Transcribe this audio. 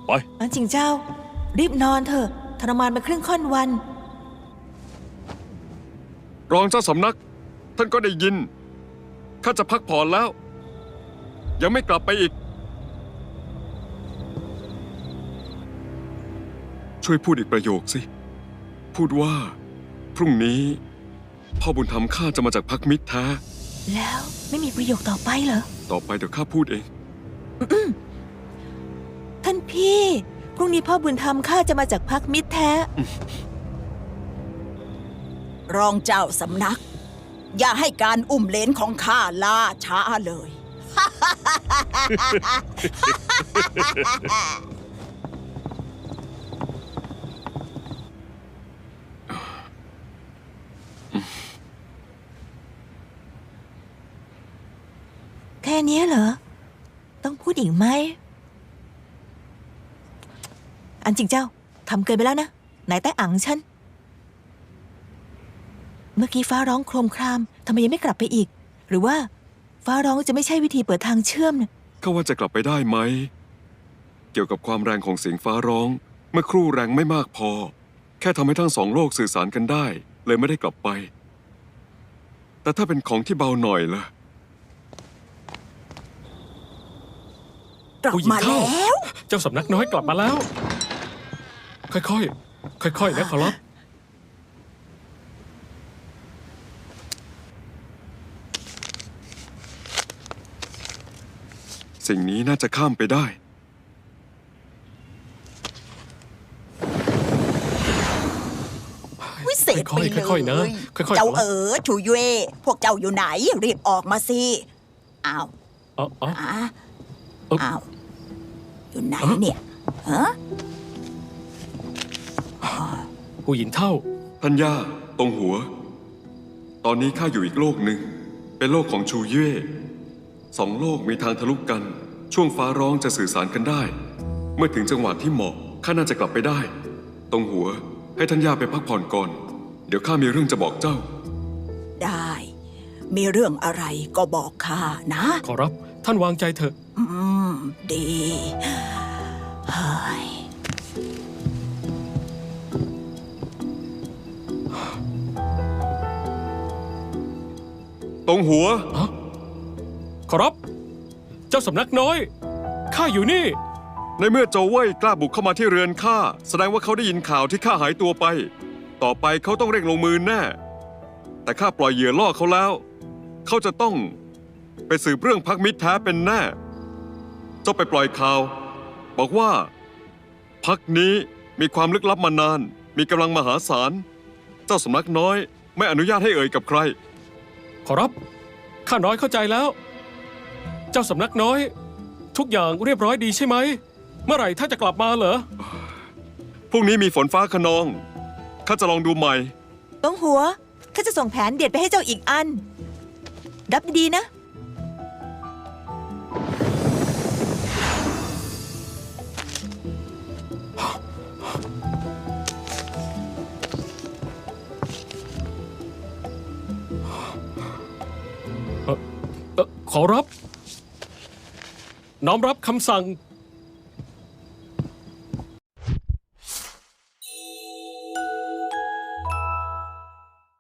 ไปอันจริงเจ้า รีบนอนเถอะทรมานมาครึ่งค่อนวันรองเจ้าสำนัก ท่านก็ได้ยินข้าจะพักผ่อนแล้ว ยังไม่กลับไปอีก ช่วยพูดอีกประโยคสิ พูดว่า พรุ่งนี้ พ่อบุญธรรมข้าจะมาจากพักมิตรแท้แล้วไม่มีประโยคต่อไปเหรอต่อไปเดี๋ยวข้าพูดเองท่านพี่พรุ่งนี้พ่อบุญธรรมข้าจะมาจากพักมิตรแท้รองเจ้าสำนัก อย่าให้การอุ้มเลนของข้าล่าช้าเลยแค่นี้เหรอ ต้องพูดอีกไหม อันจริงเจ้าทำเกินไปแล้วนะไหนแต่อังฉัน เมื่อกี้ฟ้าร้องโครมครามทำไมยังไม่กลับไปอีก หรือว่าฟ้าร้องจะไม่ใช่วิธีเปิดทางเชื่อมนะข้าว่าจะกลับไปได้ไหม เกี่ยวกับความแรงของเสียงฟ้าร้อง เมื่อครู่แรงไม่มากพอ แค่ทำให้ทั้งสองโลกสื่อสารกันได้ เลยไม่ได้กลับไป แต่ถ้าเป็นของที่เบาหน่อยล่ะกลับมาแล้วเจ้าสำนักน้อยกลับมาแล้ว ค่อยๆ ค่อยๆ นะขอรับสิ่งนี้น่าจะข้ามไปได้วิเศษไปเลยค่อยๆนะค่อยๆเจ้าชูเย่พวกเจ้าอยู่ไหน รีบออกมาสิอ้าวอ๋ออ้าวอยู่ไหนเนี่ยฮะผู้หญิงเท่าท่านย่าตรงหัว ตอนนี้ข้าอยู่อีกโลกหนึ่ง เป็นโลกของชูเย่สองโลกมีทางทะลุกัน ช่วงฟ้าร้องจะสื่อสารกันได้ เมื่อถึงจังหวะที่เหมาะข้าน่าจะกลับไปได้ ตรงหัวให้ท่านย่าไปพักผ่อนก่อน เดี๋ยวข้ามีเรื่องจะบอกเจ้าได้ มีเรื่องอะไรก็บอกข้านะขอรับ ท่านวางใจเถอะดีเฮ้ยตรงหัวขอรับ เจ้าสำนักน้อย ข้าอยู่นี่ในเมื่อโจวเว่ยกล้าบุกเข้ามาที่เรือนข้าแสดงว่าเขาได้ยินข่าวที่ข้าหายตัวไป ต่อไปเขาต้องเร่งลงมือแน่ แต่ข้าปล่อยเหยื่อล่อเขาแล้ว เขาจะต้องไปสืบเรื่องพักมิตรแท้เป็นแน่ เจ้าไปปล่อยข่าว บอกว่าพักนี้มีความลึกลับมานาน มีกำลังมหาศาล เจ้าสำนักน้อยไม่อนุญาตให้เอ่ยกับใครขอรับ ข้าน้อยเข้าใจแล้ว เจ้าสำนักน้อย ทุกอย่างเรียบร้อยดีใช่ไหม เมื่อไหร่ท่านจะกลับมาเหรอพรุ่งนี้มีฝนฟ้าคะนอง ข้าจะลองดูใหม่ต้องหัวข้าจะส่งแผนเด็ดไปให้เจ้าอีกอัน รับดีๆนะขอรับ น้อมรับคำสั่ง